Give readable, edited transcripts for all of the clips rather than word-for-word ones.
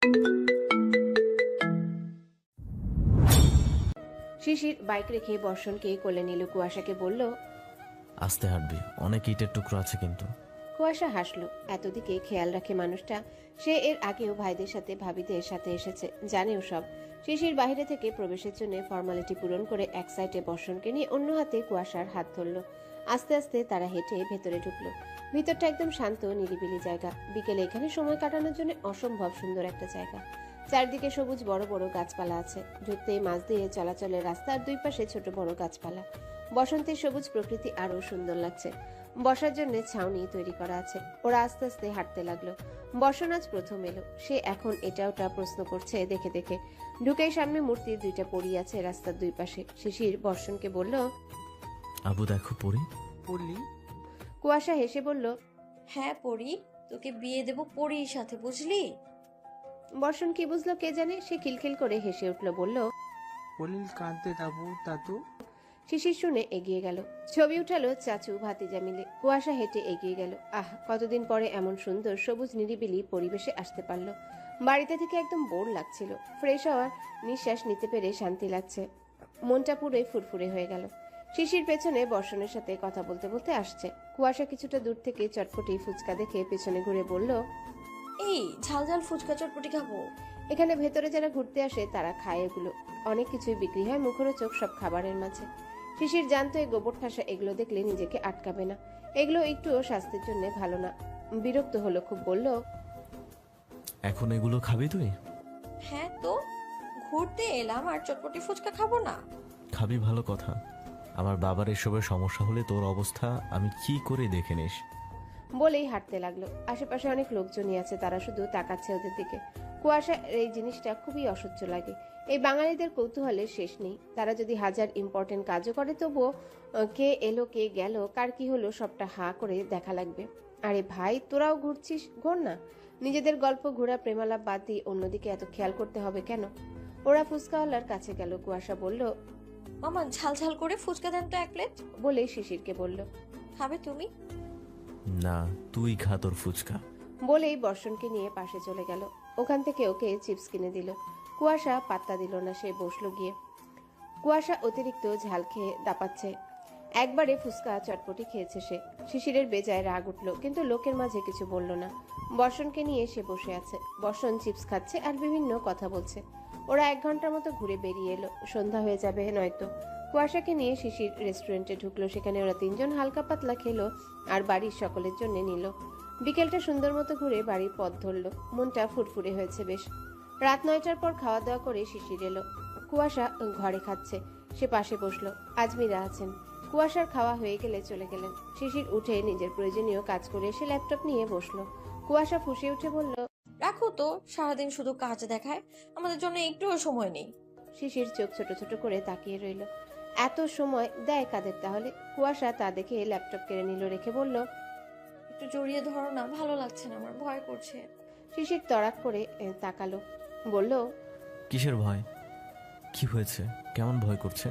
শিশির bike রেখে বর্ষণকে কোলে নিল। কুয়াশাকে বলল, আস্তে হাঁটবি, অনেক ইটের টুকরো আছে কিন্তু। কুয়াশা হাসলো। এতদিকে খেয়াল রাখে মানুষটা। সে এর আগেও ভাইদের সাথে ভাবিদের সাথে এসেছে, জানেও সব। শিশির বাইরে থেকে প্রবেশের জন্য ফর্মালিটি পূরণ করে এক সাইডে বর্ষণকে নিয়ে অন্য হাতে কুয়াশার হাত ধরল। আস্তে আস্তে তারা হেঁটে ভেতরে ঢুকলো। ভিতরটা একদম শান্ত নিরিবিলি জায়গা। বিকেলে এখানে সময় কাটানোর জন্য অসম্ভব সুন্দর একটা জায়গা। চারদিকে সবুজ বড় বড় গাছপালা আছে। ঢুকতেই মাঝ দিয়ে চলাচলের রাস্তার দুই পাশে ছোট বড় গাছপালা। বসন্তের সবুজ প্রকৃতি আরো সুন্দর লাগছে। বসার জন্য ছাউনি তৈরি করা আছে। ওরা আস্তে আস্তে হাঁটতে লাগলো। বর্ষণ আজ প্রথম এলো। সে এখন এটা ওটা প্রশ্ন করছে দেখে দেখে। ঢুকেই সামনে মূর্তির দুইটা পড়ি আছে রাস্তার দুই পাশে। শিশির বর্ষণকে বলল, আবু দেখো পড়ি। পড়লি? কুয়াশা হেসে বলল, হ্যাঁ পড়ি, তোকে বিয়ে দেব পড়ির সাথে, বুঝলি? বর্ষণ কি বুঝলো কে জানে। সে খিলখিল করে হেসে উঠল, বলল, পড়িল কাঁদতে দাবু দাদু। শিশির শুনে এগিয়ে গেল। ছবি উঠালো চাচু ভাতিজা মিলে। কুয়াশা হেঁটে এগিয়ে গেল। আহ, কতদিন পরে এমন সুন্দর সবুজ নিরিবিলি পরিবেশে আসতে পারলো। বাড়িতে থেকে একদম বোর লাগছিল। ফ্রেশ হওয়ার নিঃশ্বাস নিতে পেরে শান্তি লাগছে। মনটা পুরোই ফুরফুরে হয়ে গেল। শিশির পেছনে বর্ষণের সাথে কথা বলতে বলতে আসছে। কুয়াশা কিছুটা দূর থেকে চটপটি ফুচকা দেখে পেছনে ঘুরে বলল, এই ঝাল ঝাল ফুচকা চটপটি খাবো। এখানে ভেতরে যারা ঘুরতে আসে তারা খায় এগুলো। অনেক কিছুই বিক্রি হয় মুখরোচক সব খাবারের মাঝে। শিশির জানতো এই গোবর ঠাসা এগুলো দেখলে নিজেকে আটকাবে না। এগুলো একটুও স্বাস্থ্যের জন্য ভালো না। বিরক্ত হলো খুব, বলল, এখন এগুলো খাবি তুই? হ্যাঁ তো, ঘুরতে এলাম আর চটপটি ফুচকা খাবো না? খাবি ভালো কথা, আমার বাবার এসবের সমস্যা হলে তোর অবস্থা আমি কি করে দেখে নিস। বলেই হাঁটতে লাগলো। আশেপাশে অনেক লোকজনই আছে, তারা শুধু তাকাচ্ছে ওদের দিকে। কুয়াশা এই জিনিসটা খুবই অসহ্য লাগে। এই বাঙালিদের কৌতূহলের শেষ নেই। তারা যদি হাজার ইম্পর্টেন্ট কাজও করে তবুও কে এলো কে গেল কার কি হলো সবটা হা করে দেখা লাগবে। আরে ভাই, তোরাও ঘুরছিস, ঘোর না। নিজেদের গল্প ঘোরা প্রেমালাপ বাদ দিয়ে অন্যদিকে এত খেয়াল করতে হবে কেন? ওরা ফুচকাওয়ালার কাছে গেল। কুয়াশা বলল, মামা ঝাল ঝাল করে ফুচকা দেন তো 1 প্লেট। বলেই শিশিরকে বলল, খাবে তুমি? না, তুই খা তোর ফুচকা। বলেই বর্ষণকে নিয়ে পাশে চলে গেল। ওখান থেকে ওকে চিপস কিনে দিল। কুয়াশা পাত্তা দিল না, সে বসলো গিয়ে। কুয়াশা অতিরিক্ত ঝাল খেয়ে দাপাচ্ছে। একবারে ফুচকা চটপটি খেয়েছে সে। শিশিরের বেজায় রাগ উঠল, কিন্তু লোকের মাঝে কিছু বলল না। বর্ষণকে নিয়ে সে বসে আছে। বর্ষণ চিপস খাচ্ছে আর বিভিন্ন কথা বলছে। ওরা 1 ঘন্টার মতো ঘুরে বেরিয়ে এলো। সন্ধ্যা হয়ে যাবে নয়তো। কুয়াশাকে নিয়ে শিশির রেস্টুরেন্টে ঢুকলো। সেখানে ওরা 3জন হালকা পাতলা খেলো আর বাড়ির সকলের জন্য নিল। বিকেলটা সুন্দর মতো ঘুরে বাড়ির পথ ধরল। মনটা ফুরফুরে হয়েছে বেশ। রাত 9টার পর খাওয়া দাওয়া করে শিশির এলো। কুয়াশা ঘরে খাচ্ছে, সে পাশে বসলো। আজমিরা আছেন। কুয়াশার খাওয়া হয়ে গেলে চলে গেলেন। শিশির উঠে নিজের প্রয়োজনীয় কাজ করে এসে ল্যাপটপ নিয়ে বসলো। কুয়াশা ফুঁসে উঠে বলল, রাখো তো, সারাদিন শুধু কাজ দেখায়, আমাদের জন্য একটুও সময় নেই। শিশির চোখ ছোট ছোট করে তাকিয়ে রইল। এত সময় দেয় কাদের তাহলে? কুয়াশা তা দেখে ল্যাপটপ কেড়ে নিল, রেখে বলল, একটু জড়িয়ে ধরো না, ভালো লাগছে না, আমার ভয় করছে। শিশির তড়াক করে তাকালো, বলল, কিসের ভয়? কি হয়েছে? কেমন ভয় করছে?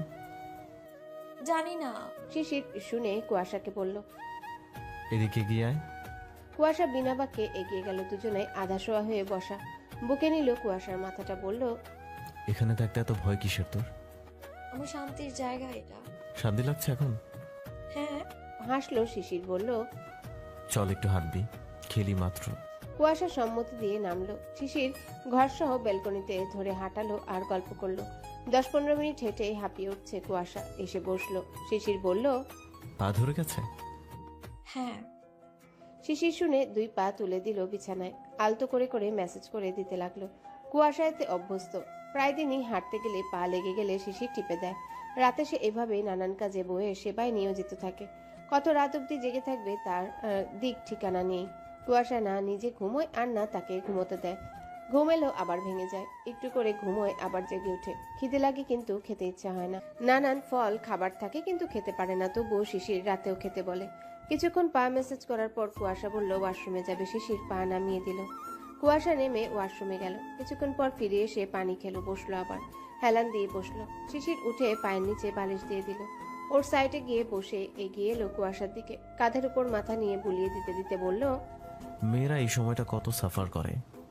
জানি না। শিশির শুনে কুয়াশাকে বলল। এদিকে গিয়ে আয়। কুয়াশা বিনা বাক্যে এগিয়ে গেল। দুজনে আধা শোয়া হয়ে বসা। বুকে নিল কুয়াশার মাথাটা, বলল, এখানে থাকতে এত ভয় কিসের তোর? আমার শান্তির জায়গা এটা। শান্তি লাগছে এখন? হ্যাঁ। হাসলো শিশির, বলল, চল একটু হাঁটবি, খেলি মাত্র। কুয়াশা সম্মতি দিয়ে নামলো। শিশির ঘরসহ ব্যালকনিতে ধরে হাঁটালো আর গল্প করলো। 10-15 মিনিট হেঁটে হাঁপিয়ে উঠছে কুয়াশা। এসে বসলো। শিশির বলল, পা ধরে গেছে? হ্যাঁ। শিশির শুনে 2 পা তুলে দিল বিছানায়। আলতো করে করে মেসেজ করে দিতে লাগলো। কুয়াশা এতে অভ্যস্ত। প্রায় দিনই হাঁটতে গেলে পা লেগে গেলে শিশির টিপে দেয়। রাতে সে এভাবেই নানান কাজে বয়ে সেবায় নিয়োজিত থাকে। কত রাত অব্দি জেগে থাকবে তার দিক ঠিকানা নেই। কুয়াশা না নিজে ঘুমোয় আর না তাকে ঘুমোতে দেয়। ঘুম এলো আবার ভেঙে যায়, একটু করে ঘুমোয় আবার জেগে ওঠে। খিদে লাগে কিন্তু খেতে ইচ্ছা হয় না। নানান ফল খাবার থাকে কিন্তু খেতে পারে না, তবুও শিশির রাতেও খেতে বলে। কিছুক্ষণ পা মেসেজ করার পর কুয়াশা বলল ওয়াশরুমে যাবে। শিশির পা নামিয়ে দিল। কুয়াশা নেমে ওয়াশরুমে গেল। কিছুক্ষণ পর ফিরে এসে পানি খেলো, বসলো আবার। হেলান দিয়ে বসলো। শিশির উঠে পায়ের নিচে বালিশ দিয়ে দিল। ওর সাইডে গিয়ে বসে এগিয়ে এলো কুয়াশার দিকে। কাঁধের উপর মাথা নিয়ে বুলিয়ে দিতে দিতে বলল, মেয়েরা এই সময়টা কত সাফার করে,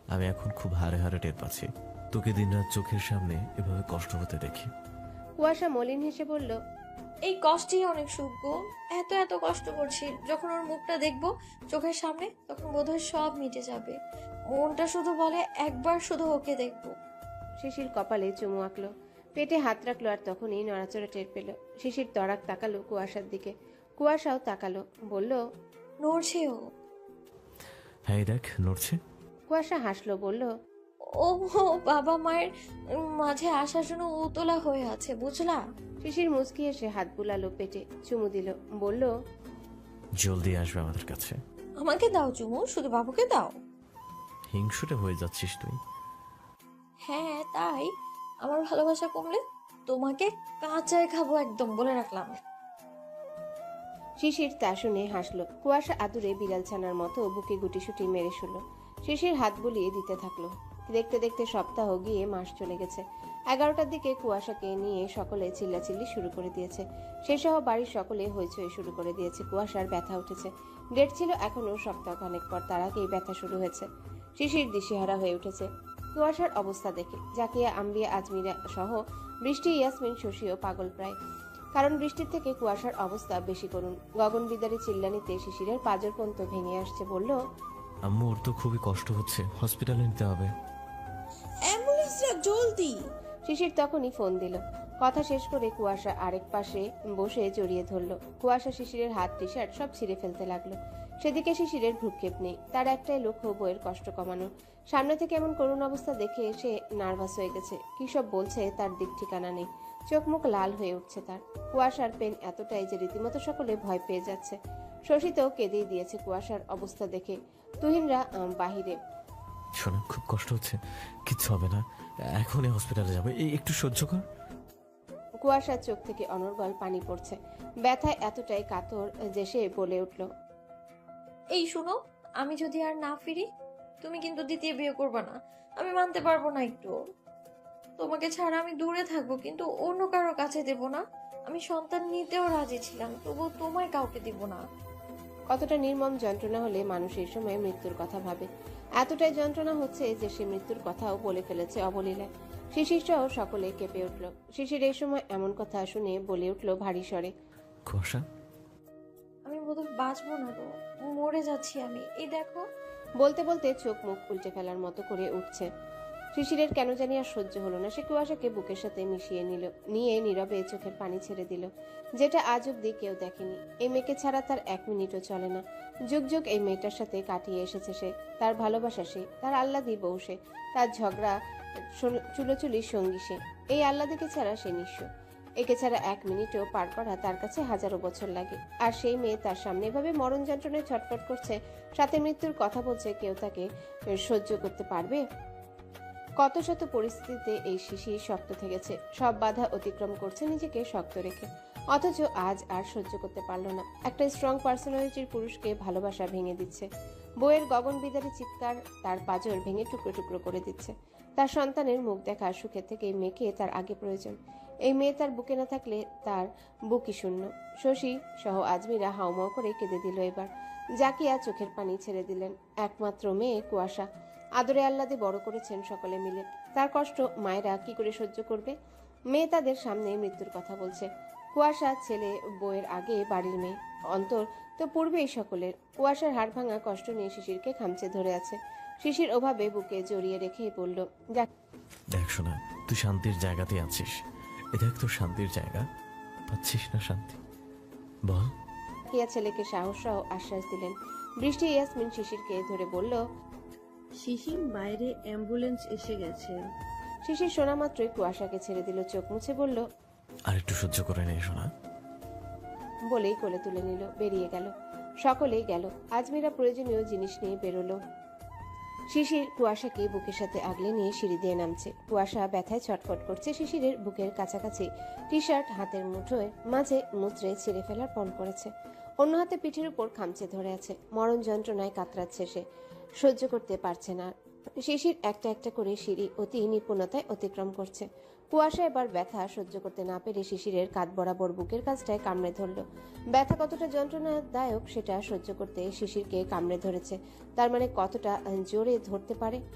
আমি এখন খুব হারে হারে টের পাচ্ছি। তোকে দিনরাত চোখের সামনে এভাবে কষ্ট হতে দেখি। কুয়াশা মলিন হেসে বলল, এই কষ্টই অনেক সুখ গো। এত এত কষ্ট করছি, যখন ওর মুখটা দেখবো চোখের সামনে তখন বোধহয় সব মিটে যাবে। মনটা শুধু বলে একবার শুধু ওকে দেখবো। শিশির কপালে চুমু আঁকলো, পেটে হাত রাখলো, আর তখনই নড়াচড়া টের পেল। শিশির তড়াক তাকালো কুয়াশার দিকে, কুয়াশাও তাকালো, বলল, নড়ছে ও। হ্যাঁ দেখ নড়ছে। কুয়াশা হাসলো, বলল, ও বাবা মায়ের মাঝে আসার জন্য উতলা হয়ে আছে, বুঝলা? শিশির মুচকি এসে হাত বুলালো পেটে, চুমু দিল, বলল, জলদি আসবে আমাদের কাছে। আমাকে দাও চুমু, শুধু বাবুকে দাও। হিংসুটে হয়ে যাচ্ছিস তুই। হ্যাঁ তাই, আমার ভালোবাসা কমলে তোমাকে কাঁচায় খাবো একদম, বলে রাখলাম। শিশির তা শুনে হাসলো। কুয়াশা আদুরে বিড়াল ছানার মতো বুকে গুটিসুটি মেরে শুল। শিশির হাত বুলিয়ে দিতে থাকলো। দেখতে দেখতে সপ্তাহ গিয়ে মাস চলে গেছে। 11টার দিকে কুয়াশাকে নিয়ে সকলে চিল্লাচিল্লি শুরু করে দিয়েছে। সে সহ বাড়ির সকলে হইচই শুরু করে দিয়েছে। কুয়াশার ব্যথা উঠেছে। ডেট ছিল এখনো সপ্তাহখানেক পর, তার আগেই ব্যথা শুরু হয়েছে। শিশির দিশেহারা হয়ে উঠেছে কুয়াশার অবস্থা দেখে। জাকিয়া, আম্বিয়া, আজমিরা সহ বৃষ্টি, ইয়াসমিন, শশীও পাগল প্রায়। কারণ বৃষ্টির থেকে কুয়াশার অবস্থা বেশি করুন। গগন বিদারী চিল্লানিতে শিশিরের পাঁজর পর্যন্ত ভেঙে আসছে। বলল, আম্মু ওর তো খুবই কষ্ট হচ্ছে, হসপিটালে নিতে হবে। অ্যাম্বুলেন্সরা জলদি। শিশির তখনই ফোন দিল। কথা শেষ করে কুয়াশা আরেক পাশে বসে জড়িয়ে ধরল। কুয়াশা শিশিরের হাত, টি শার্ট সব ছিঁড়ে ফেলতে লাগলো। সেদিকে শিশিরের ভ্রুক্ষেপ নেই। তার একটাই লক্ষ্য বইয়ের কষ্ট কমানো। সামনে থেকে এমন করুণ অবস্থা দেখে সে নার্ভাস হয়ে গেছে। কি সব বলছে তার দিক ঠিকানা নেই। চোখ মুখ লাল হয়ে উঠছে তার। কুয়াশার পেন এতটাই যে রীতিমতো সকলে ভয় পেয়ে যাচ্ছে। শশী তো কেঁদেই দিয়েছে কুয়াশার অবস্থা দেখে। তুহিনরা বাহিরে। শোনা, খুব কষ্ট হচ্ছে, কিচ্ছু হবে না, এখনই হসপিটালে যাবে, এই একটু সহ্য কর। কুয়াশার চোখ থেকে অনর্গল পানি পড়ছে। ব্যথায় এতটাই কাতর যে সে বলে উঠল, এই শুনো, আমি যদি আর না ফিরি তুমি কিন্তু দ্বিতীয় বিয়ে করবে না। আমি মানতে পারবো না একটু। তোমাকে ছাড়া আমি দূরে থাকবো, কিন্তু অন্য কারো কাছে দেব না। আমি সন্তান নিতেও রাজি ছিলাম, তবু তোমায় কাউকে দিব না। কতটা নির্মম যন্ত্রণা হলে মানুষ এই সময় মৃত্যুর কথা ভাবে। এতটাই যন্ত্রণা হচ্ছে যে সে মৃত্যুর কথাও বলে ফেলেছে অবলীলায়। শিশির সহ সকলে কেঁপে উঠল। শিশির এই সময় এমন কথা শুনে বলে উঠল ভারী স্বরে, কুয়াশা, আমি বোধহয় বাঁচবো না গো, মরে যাচ্ছি আমি, এই দেখো। বলতে বলতে চোখ মুখ উল্টে ফেলার মতো করে উঠছে। শিশিরের কেন জানি আর সহ্য হলো না। সে কুয়াশাকে বুকের সাথে মিশিয়ে নিয়ে নীরবে চোখের পানি ছেড়ে দিল, যেটা আজ অব্দি কেউ দেখেনি। এই মেয়েকে ছাড়া তার 1 মিনিটও চলে না। যুগ যুগ এই মেয়েটার সাথে কাটিয়ে এসেছে সে। তার ভালোবাসা সে, তার আহ্লাদি বউ সে, তার ঝগড়া চুলোচুলির সঙ্গী সে। এই আহ্লাদিকে ছাড়া সে নিঃস্ব। একে ছাড়া 1 মিনিটও পার করা তার কাছে হাজারো বছর লাগে। আর সেই মেয়ে তার সামনে এভাবে মরণ যন্ত্রণায় ছটফট করছে, সাথে মৃত্যুর কথা বলছে। কেউ তাকে সহ্য করতে পারবে? কত শত পরিস্থিতিতে এই শিশির শক্ত থেকেছে, সব বাধা অতিক্রম করছে নিজেকে শক্ত রেখে। অথচ আজ আর সহ্য করতে পারলো না। একটা স্ট্রং পার্সোনালিটির পুরুষকে ভালোবাসা ভেঙে দিচ্ছে। বইয়ের গগন বিদারী চিৎকার তার পাঁজর ভেঙে টুকরো টুকরো করে দিচ্ছে। তার সন্তানের মুখ দেখা সুখের থেকে এই মেয়েকে তার আগে প্রয়োজন। এই মেয়ে তার বুকে না থাকলে তার বুকই শূন্য। শশী সহ আজমিরা হাউমাউ করে কেঁদে দিল এবার। জাকিয়া চোখের পানি ছেড়ে দিলেন। একমাত্র মেয়ে কুয়াশা আদরে আহ্লাদে বড় করেছেন সকলে মিলে। তার কষ্ট মায়েরা কি করে সহ্য করবে? মেয়ে তাদের সামনে মৃত্যুর কথা বলছে। কুয়াশা ছেলে বউয়ের আগে বাড়ির মেয়ে, অন্তর তো পূর্বেই সকলের। কুয়াশার হাড় ভাঙা কষ্ট নিয়ে শিশিরকে খামচে ধরে আছে। শিশির ওভাবে বুকে জড়িয়ে রেখেই বলল, দেখ শোনা, তুই শান্তির জায়গাতে আছিস, এ দেখ তোর শান্তির জায়গা, পাচ্ছিস না শান্তি? বল। জাকিয়া ছেলেকে সাহস সহ আশ্বাস দিলেন। বৃষ্টি ইয়াসমিন শিশিরকে ধরে বলল, শিশির, বাইরে অ্যাম্বুলেন্স এসে গেছে। শিশির শোনা মাত্রই কুয়াশাকে ছেড়ে দিল, চোখ মুছে বলল, আর একটু সহ্য করে নে শোনা। বলেই কোলে তুলে নিল, বেরিয়ে গেল। সকলেই গেল। আজমিরা প্রয়োজনীয় জিনিস নিয়ে বেরোলো। শিশির কুয়াশাকে বুকের সাথে আগলে নিয়ে সিঁড়ি দিয়ে নামছে। কুয়াশা ব্যথায় ছটফট করছে। শিশিরের বুকের কাছাকাছি টি শার্ট হাতের মুঠোয় মাঝে মুচড়ে ছিঁড়ে ফেলার পণ করেছে। অন্য হাতে পিঠের উপর খামচে ধরে আছে। মরণ যন্ত্রণায় কাতরাচ্ছে সে, সহ্য করতে পারছে না। শিশির একটা একটা করে সিঁড়ি অতি নিপুণতায় অতিক্রম করছে। কুয়াশা এবার ব্যথা সহ্য করতে না পেরে শিশিরের কাঁধ বরাবর বুকের কাছটায় কামড়ে ধরল। ব্যথা কতটা যন্ত্রণাদায়ক সেটা সহ্য করতে শিশিরকে কামড়ে ধরেছে। তার মানে কতটা জোরে ধরতে পারে।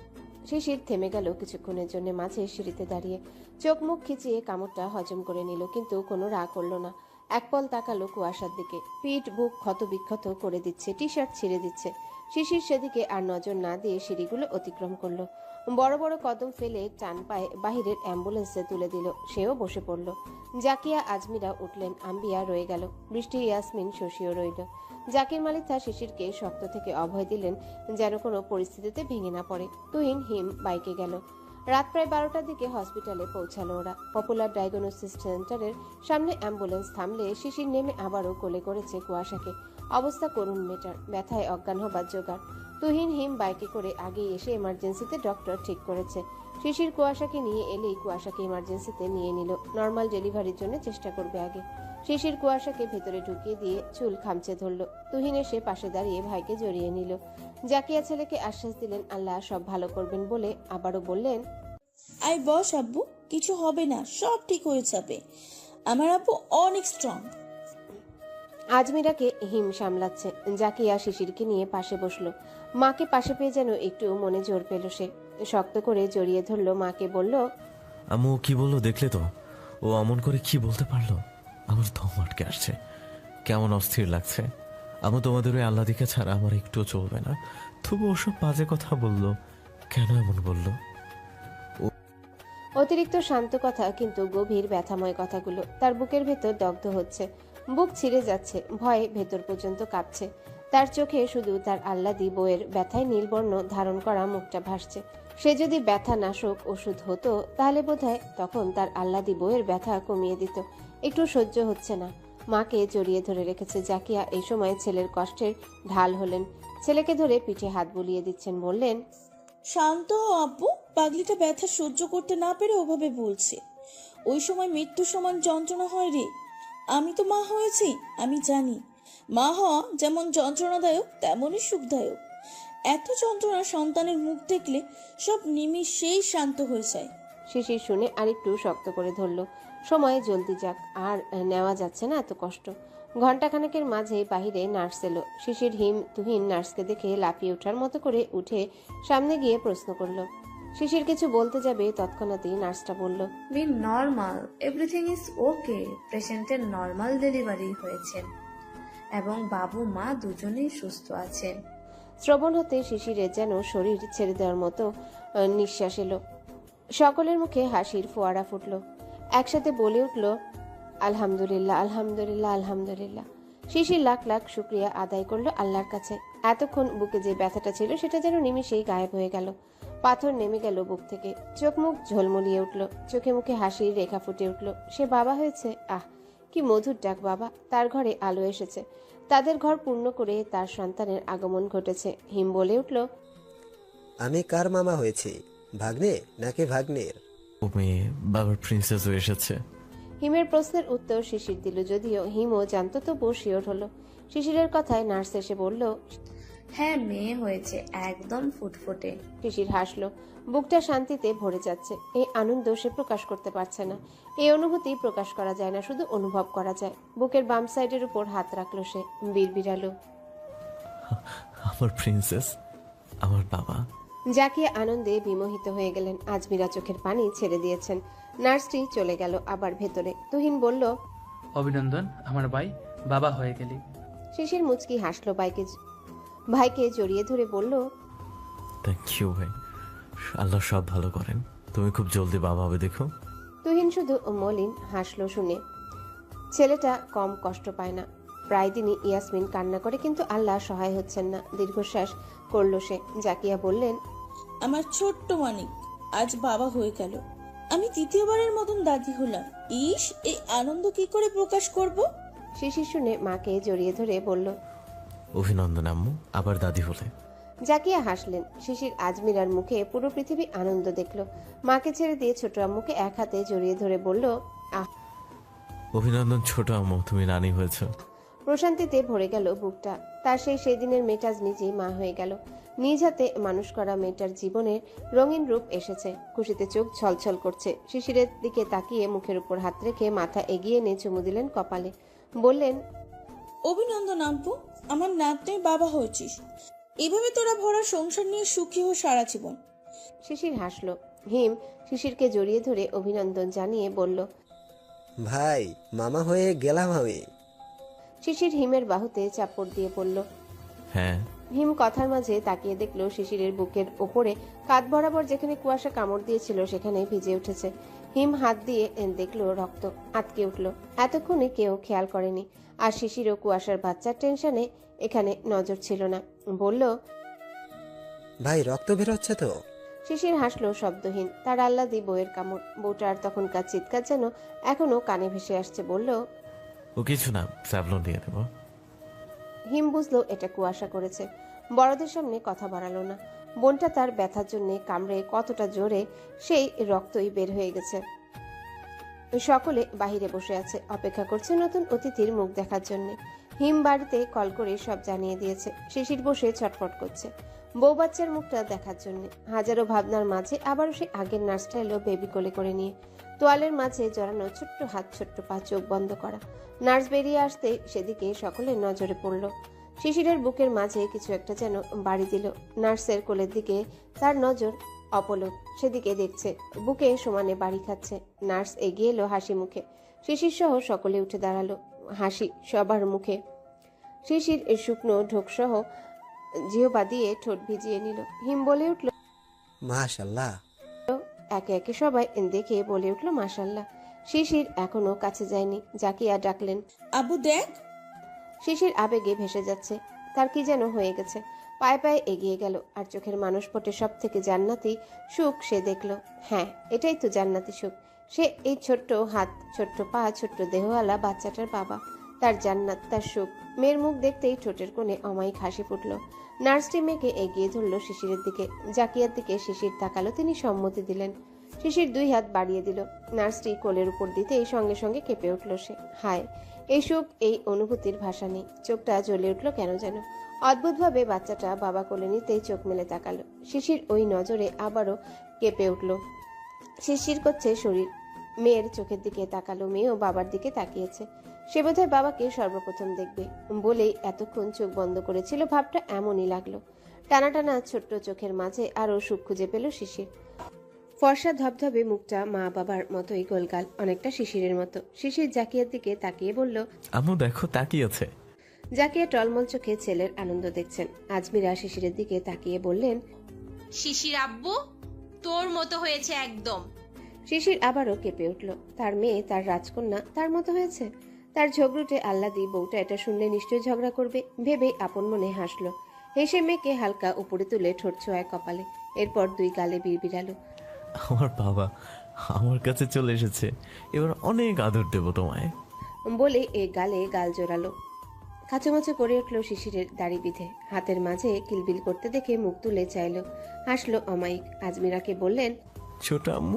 শিশির থেমে গেল কিছুক্ষণের জন্য মাঝে সিঁড়িতে দাঁড়িয়ে। চোখ মুখ খিচিয়ে কামড়টা হজম করে নিল, কিন্তু কোনো রাগ করলো না। একপল তাকালো কুয়াশার দিকে। পিঠ বুক ক্ষত বিক্ষত করে দিচ্ছে, টি শার্ট ছিঁড়ে দিচ্ছে। শিশির সেদিকে আর নজর না দিয়ে সিঁড়িগুলো অতিক্রম করলো। বড় বড় কদম ফেলে টান পায়ে বাহিরের অ্যাম্বুলেন্সে তুলে দিল। সেও বসে পড়ল। জাকিয়া আজমিরা উঠলেন, আম্বিয়া রয়ে গেল, বৃষ্টি, ইয়াসমিন, শশীও রইল। জাকির মালিথা শিশিরকে শক্ত থেকে অভয় দিলেন যেন কোনো পরিস্থিতিতে ভেঙে না পড়ে। তুহিন হিম বাইকে গেল। রাত প্রায় 12টার দিকে হসপিটালে পৌঁছালো ওরা। পপুলার ডায়াগনোসিস সেন্টারের সামনে অ্যাম্বুলেন্স থামলে শিশির নেমে আবারও কোলে করেছে কুয়াশাকে। অবস্থা করুণ মেটার, ব্যথায় অজ্ঞান হবার জোগাড়। তুহিন হিম বাইকে করে আগেই এসে এমার্জেন্সিতে ডক্টর ঠিক করেছে। শিশির কুয়াশাকে নিয়ে এলেই কুয়াশাকে ইমার্জেন্সিতে নিয়ে নিল। নর্মাল ডেলিভারির জন্য চেষ্টা করবে আগে। শিশির কুয়াশাকে ভেতরে ঢুকিয়ে দিয়ে চুল খামচে ধরল। তুহিন এসে পাশে দাঁড়িয়ে ভাইকে জড়িয়ে নিল। জাকিয়া ছেলেকে আশ্বাস দিলেন আল্লাহ সব ভালো করবেন বলে আবারও বললেন, আই বস আব্বু, কিছু হবে না, সব ঠিক হয়ে যাবে। আমার আব্বু অনেক স্ট্রং। আজমিরাকে হিম সামলাচ্ছে। জাকিয়া শিশিরকে নিয়ে পাশে বসলো। মাকে পাশে পেয়ে যেন একটু মনে জোর পেল সে। শক্ত করে জড়িয়ে ধরলো মাকে, বলল, আম্মু ও কি বললো দেখলে তো? ও অমন করে কি বলতে পারলো? আমার দম আটকে আসছে, কেমন অস্থির লাগছে। আমি তোমাদের ওই আল্লাদিকে ছাড়া আমার একটুও চলবে না। তবু ওসব বাজে কথা বললো কেন? এমন বললো? অতিরিক্ত শান্ত কথা, কিন্তু গভীর ব্যথাময় কথাগুলো তার বুকের ভেতর দগ্ধ হচ্ছে। বুক ছিঁড়ে যাচ্ছে, ভয়ে ভেতর পর্যন্ত কাঁপছে। তার চোখে শুধু তার আহ্লাদি বউয়ের ব্যথায় নীলবর্ণ ধারণ করা মুখটা ভাসছে। সে যদি ব্যথা নাশক ওষুধ হতো তাহলে বোধহয় তখন তার আহ্লাদি বউয়ের ব্যথা কমিয়ে দিত। একটু সহ্য হচ্ছে না। মাকে জড়িয়ে ধরে রেখেছে জাকিয়া। এই সময় ছেলের কষ্টের ঢাল হলেন। ছেলেকে ধরে পিঠে হাত বুলিয়ে দিচ্ছেন, বললেন, শান্ত হও আব্বু, পাগলিটা ব্যথা সহ্য করতে না পেরে ওভাবে বলছে। ওই সময় মৃত্যু সমান যন্ত্রণা হয় রে। আমি তো মা হয়েছি, আমি জানি মা হওয়া যেমন যন্ত্রণাদায়ক তেমনই সুখদায়ক। এত যন্ত্রণা সন্তানের মুখ দেখলে সব নিমিষেই শান্ত হয়ে যায়। শিশির শুনে আরেকটু শক্ত করে ধরল। সময় জলদি যাক, আর নেওয়া যাচ্ছে না এত কষ্ট। ঘণ্টাখানেকের মাঝেই বাহিরে নার্স এলো। শিশির তুহিন নার্সকে দেখে লাফিয়ে ওঠার মতো করে উঠে সামনে গিয়ে প্রশ্ন করল। শিশির কিছু বলতে যাবে তৎক্ষণাৎই নার্সটা বলল, be normal, everything is okay. পেশেন্টের নর্মাল ডেলিভারি হয়েছে এবং বাবু মা দুজনেই সুস্থ আছেন। শ্রবণ হতে শিশিরের যেন শরীর ছেড়ে দেওয়ার মতো নিঃশ্বাস এলো। সকলের মুখে হাসির ফোয়ারা ফুটল। একসাথে বলে উঠল, আলহামদুলিল্লাহ, আলহামদুলিল্লাহ, আলহামদুলিল্লাহ। শিশির লাখ লাখ শুক্রিয়া আদায় করলো আল্লাহর কাছে। এতক্ষণ বুকে যে ব্যথাটা ছিল সেটা যেন নিমিষেই গায়েব হয়ে গেল। পাথর নেমে গেল বুক থেকে। চোখ মুখ ঝলমলিয়ে উঠল, চোখে মুখে হাসির রেখা ফুটে উঠল। সে বাবা হয়েছে। আহ, কি মধুর ডাক বাবা। তার ঘরে আলো এসেছে। তাদের ঘর পূর্ণ করে তার সন্তানের আগমন ঘটেছে। হিম বলে উঠল, আমি কার মামা হয়েছি, ভাগ্নে নাকি ভাগ্নের? ও মেয়ে বাবার প্রিন্সেসও এসেছে। হিমের প্রশ্নের উত্তর শিশির দিল, যদিও হিমও জানতো, তবু শিওর হলো। শিশিরের কথায় নার্স এসে বলল, হ্যাঁ, মেয়ে হয়েছে, একদম ফুটফুটে। শিশির হাসলো। বুকটা শান্তিতে ভরে যাচ্ছে। এই আনন্দ সে প্রকাশ করতে পারছে না। এই অনুভূতি প্রকাশ করা যায় না, শুধু অনুভব করা যায়। বুকের বাম সাইডের উপর হাত রাখলো সে, বিড়বিড়ালো, আমার প্রিন্সেস, আমার বাবা। জাকিয়া আনন্দে বিমোহিত হয়ে গেলেন। আজমিরা চোখের পানি ছেড়ে দিয়েছেন। নার্সটি চলে গেল আবার ভেতরে। তুহিন বলল, অভিনন্দন আমার ভাই, বাবা হয়ে গেলি। শিশির মুচকি হাসলো, ভাইকে জড়িয়ে ধরে বলল, থ্যাংক ইউ ভাই, আল্লাহ সব ভালো করেন। তুমি খুব জলদি বাবা হবে দেখো। তুহিন শুধু মলিন হাসলো শুনে। ছেলেটা কম কষ্ট পায় না। প্রায় দিনই ইয়াসমিন কান্না করে, কিন্তু আল্লাহ সহায় হচ্ছেন না। দীর্ঘশ্বাস করলো সে। জাকিয়া বললেন, আমার ছোট্ট মানিক আজ বাবা হয়ে গেল। আমি দ্বিতীয়বারের মতন দাদি হলাম। ইস, এই আনন্দ কি করে প্রকাশ করব? শিশির শুনে মাকে জড়িয়ে ধরে বলল, অভিনন্দন আম্মু, আবার দাদি হলে। জাকিয়া হাসলেন। শিশির আজমিরার মুখে পুরো পৃথিবী আনন্দ দেখল। মাকে ছেড়ে দিয়ে ছোট আম্মুকে এক হাতে জড়িয়ে ধরে বলল, আহ। অভিনন্দন ছোট আম্মু, তুমি রানী হয়েছ। প্রশান্তিতে ভরে গেল বুকটা। তার সেই দিনের মেয়েটাজ নিজেই মা হয়ে গেল। নিজ হাতে মানুষ করা মেয়েটার জীবনের রঙিন রূপ এসেছে। খুশিতে চোখ ছলছল করছে। শিশিরের দিকে তাকিয়ে মুখের উপর হাত রেখে মাথা এগিয়ে নিয়ে চুমু দিলেন কপালে। বললেন, অভিনন্দন আব্বু, আমার নাতনির বাবা হয়েছিস। এভাবে তোরা ভরা সংসার নিয়ে সুখী হো সারা জীবন। শিশির হাসলো। হিম শিশিরকে জড়িয়ে ধরে অভিনন্দন জানিয়ে বলল, ভাই মামা হয়ে গেলাম আমি। শিশির হিমের বাহুতে চাপড় দিয়ে পড়ল। হ্যাঁ, হিম কথার মাঝে তাকিয়ে দেখলো শিশিরের বুকের ওপরে কাঁধ বরাবর যেখানে কুয়াশা কামড় দিয়েছিল সেখানে ভিজে উঠেছে। হিম হাত দিয়ে দেখলো রক্ত আটকে উঠল। এতক্ষণে কেউ খেয়াল করেনি। আর শিশির ও কুয়াশার বাচ্চার টেনশনে এখানে নজর ছিল না। বলল, ভাই রক্ত বেরোচ্ছে তো? শিশির হাসলো শব্দহীন। তার আহ্লাদি বউয়ের কামড়। বউটার তখনকার চিৎকার যেন এখনো কানে ভেসে আসছে। বলল, ও কিছু না, স্যাভলন দিয়ে দেবো। হিম বুঝলো এটা কুয়াশা করেছে। বড়দের সামনে কথা বাড়ালো না। বোনটা তার ব্যথার জন্য কামড়ে কতটা জোরে সেই রক্তই বের হয়ে গেছে। সকলে বাহিরে বসে আছে, অপেক্ষা করছে নতুন অতিথির মুখ দেখার জন্য। হিম বাড়িতে কল করে সব জানিয়ে দিয়েছে। শিশির বসে ছটফট করছে বউ বাচ্চার মুখটা দেখার জন্য। হাজারো ভাবনার মাঝে আবারও সে আগের নার্সটা এলো বেবি কোলে করে নিয়ে। তোয়ালের মাঝে জড়ানো ছোট্ট হাত ছোট্ট পা, চোখ বন্ধ করা। নার্স বেরিয়ে আসতে সেদিকে সকলের নজরে পড়ল। শিশিরের বুকের মাঝে কিছু একটা যেন বাড়ি দিল। নার্সের কোলের দিকে তার নজর অপলক, সেদিকে দেখছে। বুকে সমানে বাড়ি খাচ্ছে। নার্স এগিয়ে এলো হাসি মুখে। শিশির সহ সকলে উঠে দাঁড়ালো, হাসি সবার মুখে। শিশির শুকনো ঢোক সহ জিহবা দিয়ে ঠোঁট ভিজিয়ে নিল। হিম বলে উঠল, মাশাল্লাহ। একে একে সবাই দেখে বলে উঠল মাশাল্লাহ। শিশির এখনো কাছে যায়নি। জাকিয়া ডাকলেন। আব্বু দেখ। শিশির আবেগে ভেসে যাচ্ছে। তার কি যেন হয়ে গেছে। পায়ে পায়ে এগিয়ে গেল। আর চোখের মানুষ পটে সব থেকে জান্নাতি সুখ সে দেখল। হ্যাঁ, এটাই তো জান্নাতি সুখ। সে এই ছোট্ট হাত ছোট্ট পা ছোট্ট দেহওয়ালা বাচ্চাটার বাবা। তার জান্নাত, তার সুখ। মেয়ের মুখ দেখতেই ঠোঁটের কোণে অমায়িক হাসি ফুটল। নার্সটি মেয়েকে এগিয়ে ধরল শিশিরের দিকে। জাকিয়ার দিকে শিশির তাকালো। তিনি সম্মতি দিলেন। শিশির 2 হাত বাড়িয়ে দিল। নার্সটি কোলের উপর দিতেই সঙ্গে সঙ্গে কেঁপে উঠল সে। হায়, এই সুখ, এই অনুভূতির ভাষা নেই। চোখটা জ্বলে উঠল কেন যেন। অদ্ভুতভাবে বাচ্চাটা বাবা কোলে নিতেই চোখ মেলে তাকালো। শিশির ওই নজরে আবারও কেঁপে উঠল। শিশির করছে শরীর। মেয়ের চোখের দিকে তাকালো। মেয়েও বাবার দিকে তাকিয়েছে। সে বোধহয় বাবাকে সর্বপ্রথম দেখবে বলেই এতক্ষণ চোখ বন্ধ করেছিল। ভাবটা এমনই লাগলো। টানা টানা ছোট্ট চোখের মাঝে আরো সুখ খুঁজে পেল শিশির। ফর্সা ধবধবে মুখটা মা বাবার মতোই গোলগাল, অনেকটা শিশিরের মতো। শিশির জাকিয়ার দিকে তাকিয়ে বলল, আম্মু দেখো তাকিয়েছে। জাকিয়া টলমল চোখে ছেলের আনন্দ দেখছেন। আজমিরা শিশিরের দিকে তাকিয়ে বললেন, শিশির আব্বু তোর মতো হয়েছে একদম। শিশির আবারও কেঁপে উঠল। তার মেয়ে, তার রাজকন্যা তার মতো হয়েছে। তার ঝগড়ুটে আহ্লাদি বউটা এটা শুনলে নিশ্চয়ই ঝগড়া করবে ভেবেই আপন মনে হাসলো। হেসে মেয়েকে হালকা উপরে তুলে ঠোঁট ছোঁয়ায় কপালে। এরপর 2 গালে বিড়বিড়ালো। আমার বাবা আমার কাছে চলে এসেছে, এবার অনেক আদর দেবো তোমায়। বলে এ গালে গাল জোরালো। কাচুমাচু করে উঠল শিশিরের দাড়ি বিধে। হাতের মাঝে কিলবিল করতে দেখে মুখ তুলে চাইল। হাসলো অমায়িক। আজমিরাকে বললেন, ছোট আম্মু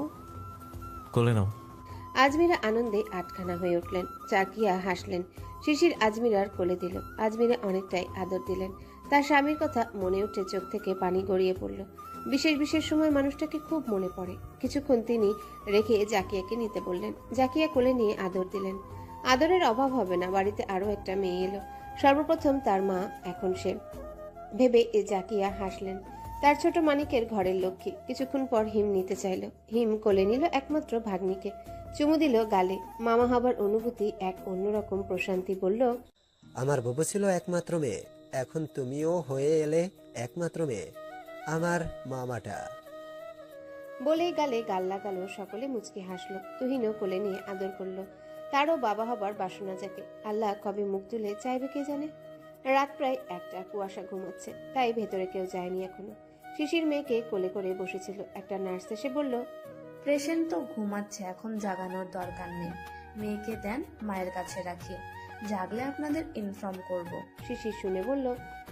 কোলে নাও। আজমিরা আনন্দে আটখানা হয়ে উঠলেন। চাকিয়া হাসলেন। শিশির আজমিরার কোলে দিল। আজমিরা অনেকটাই আদর দিলেন। তার স্বামীর কথা মনে উঠে চোখ থেকে পানি গড়িয়ে পড়ল। বিশেষ বিশেষ সময় মানুষটাকে খুব মনে পড়ে। কিছুক্ষণ তিনি রেখে জাকিয়াকে নিতে বললেন। জাকিয়া কোলে নিয়ে আদর দিলেন। আদরের অভাব হবে না, বাড়িতে আরো একটা মেয়ে এলো। সর্বপ্রথম তার মা এখন সে ভেবে জাকিয়া হাসলেন। তার ছোট মানিকের ঘরের লক্ষ্মী। কিছুক্ষণ পর হিম নিতে চাইল। হিম কোলে নিল একমাত্র ভাগ্নিকে। চুমু দিল গালে। মামা হবার অনুভূতি এক অন্যরকম প্রশান্তি। বলল, আমার বাবু ছিল একমাত্র মেয়ে, এখন তুমিও হয়ে এলে একমাত্র মেয়ে, আমার মামাটা। বলেই গালে গাল লাগালো। সকলে মুচকি হাসলো। তুহিনও কোলে নিয়ে আদর করলো। তারও বাবা হবার বাসনা জাগে। আল্লাহ কবে মুখ তুলে চাইবে কে জানে। রাত প্রায় 1টা। কুয়াশা ঘুমাচ্ছে, তাই ভেতরে কেউ যায়নি এখনো। শিশির মেয়েকে কোলে করে বসেছিল। একটা নার্স এসে বলল, পেশেন্ট তো ঘুমাচ্ছে, এখন জাগানোর দরকার নেই। মেয়েকে দেন, মায়ের কাছে রাখি, জাগলে আপনাদের ইনফর্ম করব। শিশির শুনে বলল,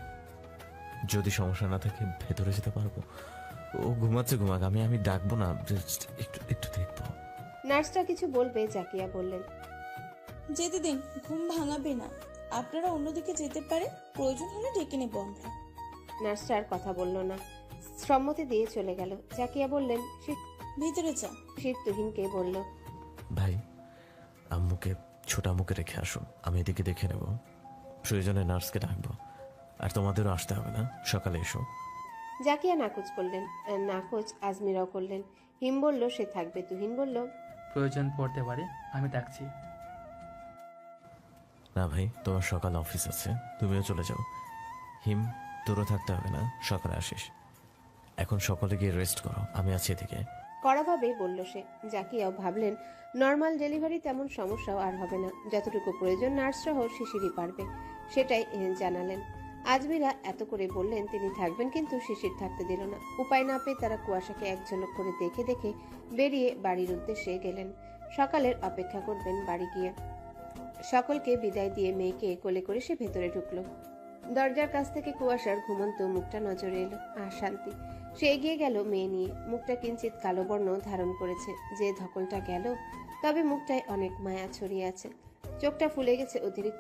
যদি সমস্যা না থাকে ভেতরে যেতে পারবো। ও ঘুমাচ্ছে, ঘুমাক, আমি ডাকবো না, just একটু একটু দেখবো। নার্সটা কিছু বলবে জাকিয়া বললেন, যেতে দিন, ঘুম ভাঙাবে না। আপনারা অন্যদিকে যেতে পারে, প্রয়োজন হলে ডেকে নেবো আমরা। নার্সটা আর কথা বলল না, সম্মতি দিয়ে চলে গেল। জাকিয়া বললেন, ভিতরে যা। শিশির তুহিনকে বলল, ভাই আম্মুকে ছোট আম্মুকে রেখে আসুন, আমি এদিকে দেখে নেব। প্রয়োজনে নার্সকে ডাকবো। আর তোমাদেরও আসতে হবে না, সকালে এসো। জাকিয়া নাকচ করলেন, নাকচ আজমিরাও করলেন। হিম বলল সে থাকবে, তুহিন বলল প্রয়োজন পড়তে পারে, আমি ডাকছি। না ভাই, তোমার সকাল অফিস আছে, তুমিও চলে যাও। হিম, তোরও থাকতে হবে না, সকালে আসিস। এখন সকলে গিয়ে রেস্ট করো, আমি আছি এদিকে। কড়াভাবে বলল সে। জাকিয়াও ভাবলেন নর্মাল ডেলিভারি তেমন সমস্যাও আর হবে না, যতটুকু প্রয়োজন নার্স সহ শিশিরই পারবে, সেটাই জানালেন। আজমিরা এত করে বললেন তিনি থাকবেন, কিন্তু শিশির থাকতে দিল না। উপায় না পেয়ে তারা কুয়াশাকে এক ঝলক করে দেখে দেখে বেরিয়ে বাড়ির উদ্দেশ্যে গেলেন। সকালের অপেক্ষা করবেন বাড়ি গিয়ে। সকলকে বিদায় দিয়ে মেয়েকে কোলে করে সে ভেতরে ঢুকলো। দরজার কাছ থেকে কুয়াশার ঘুমন্ত মুখটা নজরে এলো, আর শান্তি। সে এগিয়ে গেল মেয়ে নিয়ে। মুখটা কিঞ্চিত কালো বর্ণ ধারণ করেছে, যে ধকলটা গেল, তবে মুখটায় অনেক মায়া ছড়িয়ে আছে। চোখটা ফুলে গেছে অতিরিক্ত